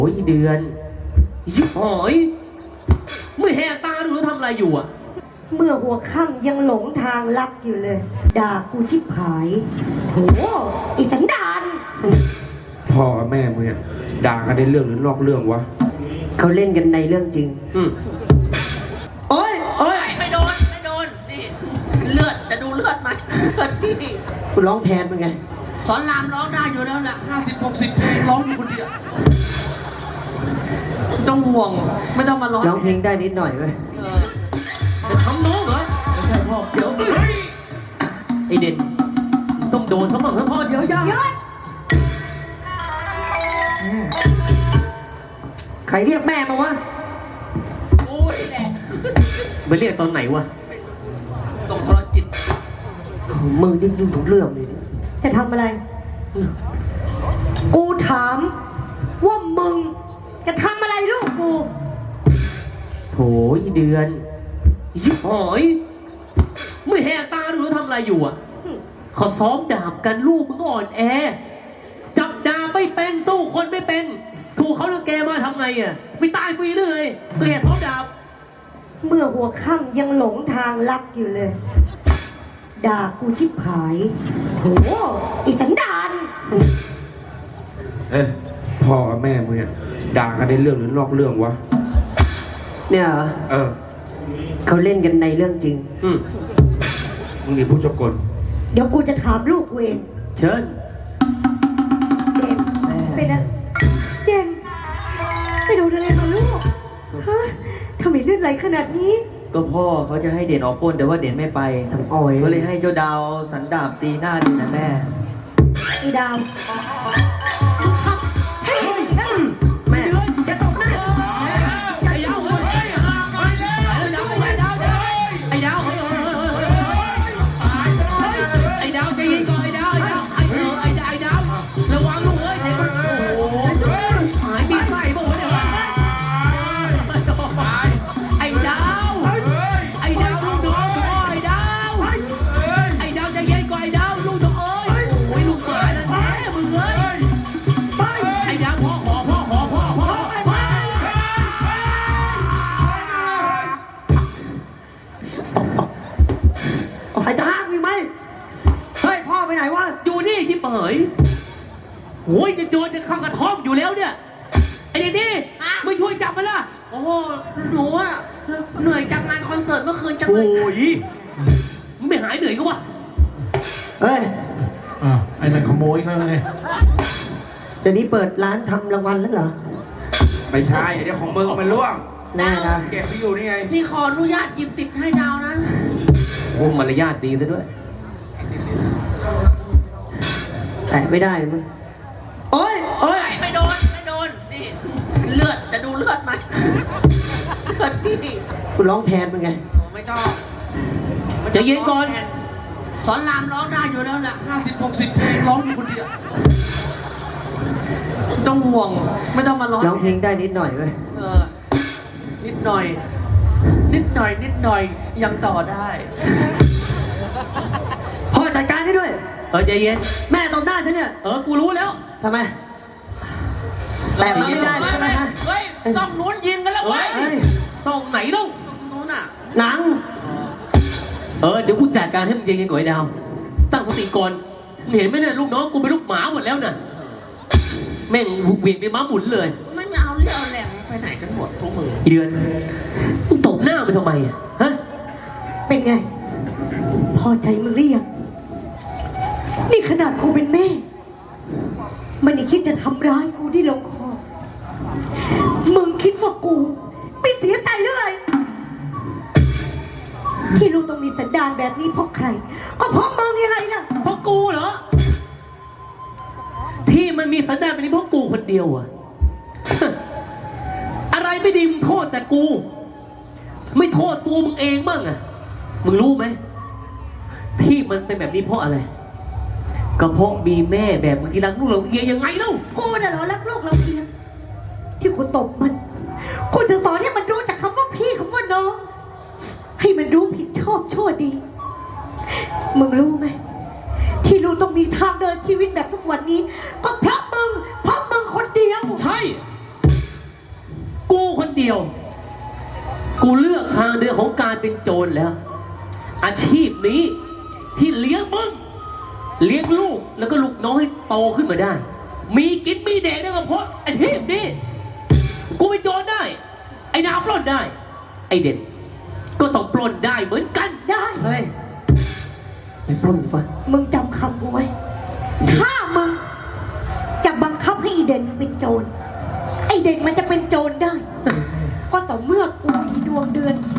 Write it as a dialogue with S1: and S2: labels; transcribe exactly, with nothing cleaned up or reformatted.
S1: โอ้ยเดือนยิบหอยไม่แหกตาดูแล้วทำอะไรอยู่อ่ะ
S2: เมื่อหัวค่ำยังหลงทางลักอยู่เลยด่ากูชิบหายโหอีสันดาน
S3: พ่อกับแม่มึงเนี่ยด่ากันในเรื่องหรือนอกเรื่องวะ
S2: เขาเล่นกันในเรื่องจริง
S1: อืม
S2: โอ้ยโอ้ย
S4: ไม่โดนไม่โดนนี่เลือดจะดูเลือดไหมเลือดนี่
S2: กูร้องแทนมึงไง
S4: สอนรามร้องได้อยู่แล้วแหละห้าสิบหกสิบเพลงร้องอยู่คนเดียวต้องห่วงไม่ต้องมาร้อง
S2: ร้องเพลงได้นิดหน่อยไหม
S1: จะทำน้องเหรอไม่ใช่พ่อเดี๋ยวไอเด่นต้องโดนสมองทั้งพ่อเดี๋ยวย่า
S2: ใครเรียกแม่มาวะ
S4: โอ้ยแหละ
S1: ไปเรียกตอนไหนวะ
S4: ส่งโทรจิต
S2: มึงดิ้นยุ่งทุกเรื่องเลยจะทำอะไรกูถามว่ามึงจะทำอะไรลูกกู
S1: โถยเดือนยิบหอยไม่แหกตาดูแล้วทำอะไรอยู่อ่ะเขาซ้อมดาบกันลูกมึงอ่อนแอจับดาบไม่เป็นสู้คนไม่เป็นถูกเขาเลือกแกมาทำไงอ่ะไม่ตายฟรีเลยตัวแกซ้อมดาบ
S2: เมื่อหัวค่ำยังหลงทางลักอยู่เลยด่ากูชิบหายโหอีสันดาน
S3: เอ้ยพ่อกับแม่มึงเนี่ยด่ากันในเรื่องหรือนอกเรื่องวะ
S2: เนี่ย
S3: เออ
S2: เขาเล่นกันในเรื่องจริง
S1: อืม
S3: มึงนี่ผู้จบกล
S2: เดี๋ยวกูจะถามลูกกูเอง
S1: เชิญ
S2: เด่นเป็นอะไรเด่นไปโดนอะไรมาลูกฮะทำไมเลือดไหลขนาดนี้
S5: ก็พ่อเขาจะให้เด่นออกปล้นแต่ว่าเด่นไม่ไป
S2: สังอ่อย
S5: ก็เลยให้เจ้าดาวสันดาบตีหน้าดูนะแม่
S2: ไอ้ดาว
S1: แม่จะตกหน้าไอ้ดาวเฮ้ยไอ้ดาวไอ้ดาวไอ้ดาวใจเย็นก่อนไอ้ดาวไอ้ดาวไอ้เออไอ้ดาวไอ้ดาวระวังลูกเอ้ยเด็กมันโอ้โหหายมีไฟบ่เนี่ยไอ้ดาวไอ้ดาวลูกน้องไอ้ดาวไอ้ดาวใจเย็นก่อนไอ้ดาวลูกน้องเอ้ยโอ้ยลูกหมาแล้วแท้มึงเอ้ยไอ้ดาวพ่อขอพ่อขอพ่อพ่อ
S2: ไอ้จะห้ามมีไหมเฮ้ยพ่อไปไหนวะ
S1: อยู่นี่ที่เป๋ยโอ้ยจะโดนจะข้างกระท่อมอยู่แล้วเนี่ยไอ้เด็กนี่ไม่ช่วยจับมันล่ะ
S4: โอ้โหหนูอะเหนื่อยจากงานคอนเสิร์ตเมื่อคืนจังเล
S1: ยโอ้ยมึงไม่หายเหนื่อยก็วะ
S2: เฮ้ย
S6: อ่าไอ้นั่นขโมยเขาไง
S2: เดี๋ยวนี้เปิดร้านทำรางวัลแล้วเหรอ
S3: ไม่ใช่เดี๋ยวของมึงมันล่วง
S2: แน่นะ
S3: เก็บไปอยู่นี่ไง
S4: พี่ขออนุญาตหยิบติดให้ดาวนะ
S1: โอ้มารยาทดีซะด้วย
S2: แตะไม่ได้มึงโอ้ยโอ้ย
S4: ไม่โดนไม่โดนนี่เลือดจะดูเลือดไหมเลือดนี่
S2: กูร้องแทนมึงไง
S4: ไม่ต้อง
S1: จะเย็นก่อน
S4: สอนรามร้องได้อยู่แล้วแหละห้าสิบหกสิบเพลงร้องอยู่คนเดียวต้องห่วงไม่ต้องมาร้อง
S2: ร้องเพลงได้นิดหน่อยไหม
S4: เออนิดหน่อยนิดหน่อยนิดหน่อยยังต่อได้
S2: พ่อจัดการให้ด้วย
S1: เออใจเย็น
S2: แม่ตบหน้าฉันเนี่ย
S1: เออกูรู้แล้ว
S2: ทำไมแต่ไม่ได้ใช่ไหมฮะ
S4: เฮ้ยส่องนู้นยิงกันแล้วเว้ย
S1: ส่องไหนเล่า
S4: นู้นอ่ะ
S2: หนัง
S1: เออเดี๋ยวกูจัดการให้มึงใจเย็นก่อนไอ้ดาวตั้งสติก่อนเห็นไหมเนี่ยลูกน้องกูเป็นลูกหมาหมดแล้วน่ะแม่งเวียนไปม้าหมุนเลย
S4: ไม่เอาเรี่ยวแรงไปไหนกันหมดทุกมือ
S1: เดือนมึงตบหน้าไปทำไมอ่ะฮะ
S2: เป็นไงพอใจมึงหรือยังนี่ขนาดกูเป็นแม่มันยังคิดจะทำร้ายกูที่ลงคอมึงคิดว่ากูไม่เสียใจหรือไงที่ลูกต้องมีสันดานแบบนี้เพราะใครก็เพราะมึงยังไงล่ะ
S1: เพราะกูเหรอที่มันมีสันดานแบบนี้เพราะกูคนเดียวอะอะไรไม่ดีมึงโทษแต่กูไม่โทษตัวมึงเองบ้างอะมึงรู้ไหมที่มันเป็นแบบนี้เพราะอะไรก็เพราะมีแม่แบบมึงที่รักลูกเราเอียยังไงเล่า
S2: กูน่ะเหรอรักลูกเราเอียที่กูตบมันกูจะสอนให้มันรู้จักคำว่าพี่คำว่าน้องให้มันรู้ผิดชอบชั่วดีมึงรู้ไหมที่ลูกต้องมีทางเดินชีวิตแบบทุกวันนี้ก็เพราะมึงเพราะมึงคนเดียว
S1: ใช่เดียว กูเลือกทางเดินของการเป็นโจรแล้ว อาชีพนี้ที่เลี้ยงมึงเลี้ยงลูกแล้วก็ลูกน้อยโตขึ้นมาได้ มีกินมีแดกได้ก็เพราะอาชีพนี้กูเป็นโจรได้ ไอ้นาวปล้นได้ ไอ้เด่นก็ต้องปล้นได้เหมือนกัน
S2: ได้
S5: เฮ้ย
S1: ไปปล้นก่อน
S2: มึงจำคำกูไว้ ถ้ามึงจะบังคับให้อีเด่นเป็นโจร ไอเด่นมันจะเป็นโจรได้ ก็ต่อเมื่อกูมีดวงเดือน